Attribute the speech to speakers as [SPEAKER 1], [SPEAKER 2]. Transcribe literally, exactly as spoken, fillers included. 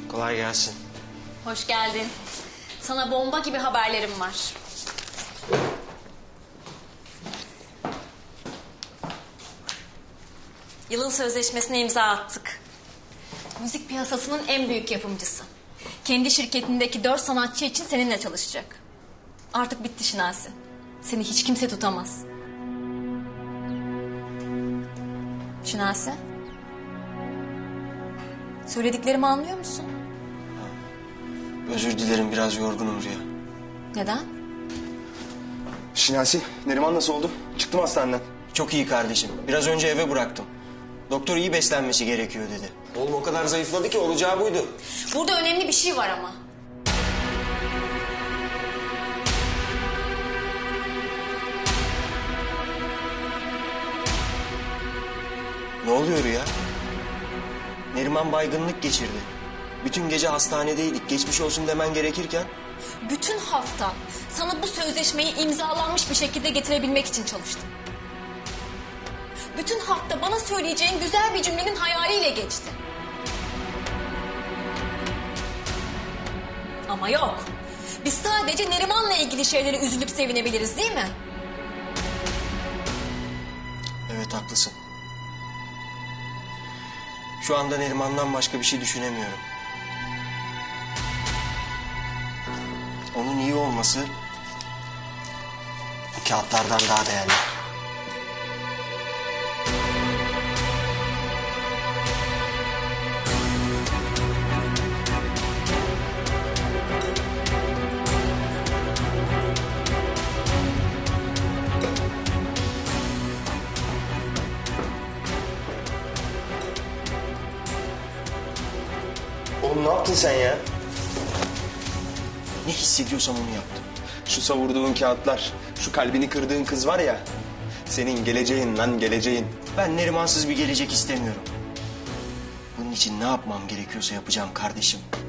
[SPEAKER 1] Kolay gelsin.
[SPEAKER 2] Hoş geldin. Sana bomba gibi haberlerim var. Yılın sözleşmesine imza attık. Müzik piyasasının en büyük yapımcısı. Kendi şirketindeki dört sanatçı için seninle çalışacak. Artık bitti Şinasi. Seni hiç kimse tutamaz. Şinasi? Söylediklerimi anlıyor musun?
[SPEAKER 1] Özür dilerim, biraz yorgunum Rüya.
[SPEAKER 2] Neden?
[SPEAKER 3] Şinasi, Neriman nasıl oldu? Çıktım hastaneden.
[SPEAKER 1] Çok iyi kardeşim. Biraz önce eve bıraktım. Doktor iyi beslenmesi gerekiyor dedi. Oğlum o kadar zayıfladı ki olacağı buydu.
[SPEAKER 2] Burada önemli bir şey var ama.
[SPEAKER 1] Ne oluyor Rüya? Neriman baygınlık geçirdi. Bütün gece hastanedeydik. Geçmiş olsun demen gerekirken...
[SPEAKER 2] Bütün hafta sana bu sözleşmeyi imzalanmış bir şekilde getirebilmek için çalıştım. Bütün hafta bana söyleyeceğin güzel bir cümlenin hayaliyle geçti. Ama yok. Biz sadece Neriman'la ilgili şeylere üzülüp sevinebiliriz, değil mi?
[SPEAKER 1] Evet, haklısın. Şu anda Neriman'dan başka bir şey düşünemiyorum. Onun iyi olması bu kağıtlardan daha değerli.
[SPEAKER 3] Oğlum ne yaptın sen ya?
[SPEAKER 1] Ne hissediyorsam onu yaptım.
[SPEAKER 3] Şu savurduğun kağıtlar, şu kalbini kırdığın kız var ya... ...senin geleceğin lan, geleceğin.
[SPEAKER 1] Ben Nerimansız bir gelecek istemiyorum. Bunun için ne yapmam gerekiyorsa yapacağım kardeşim.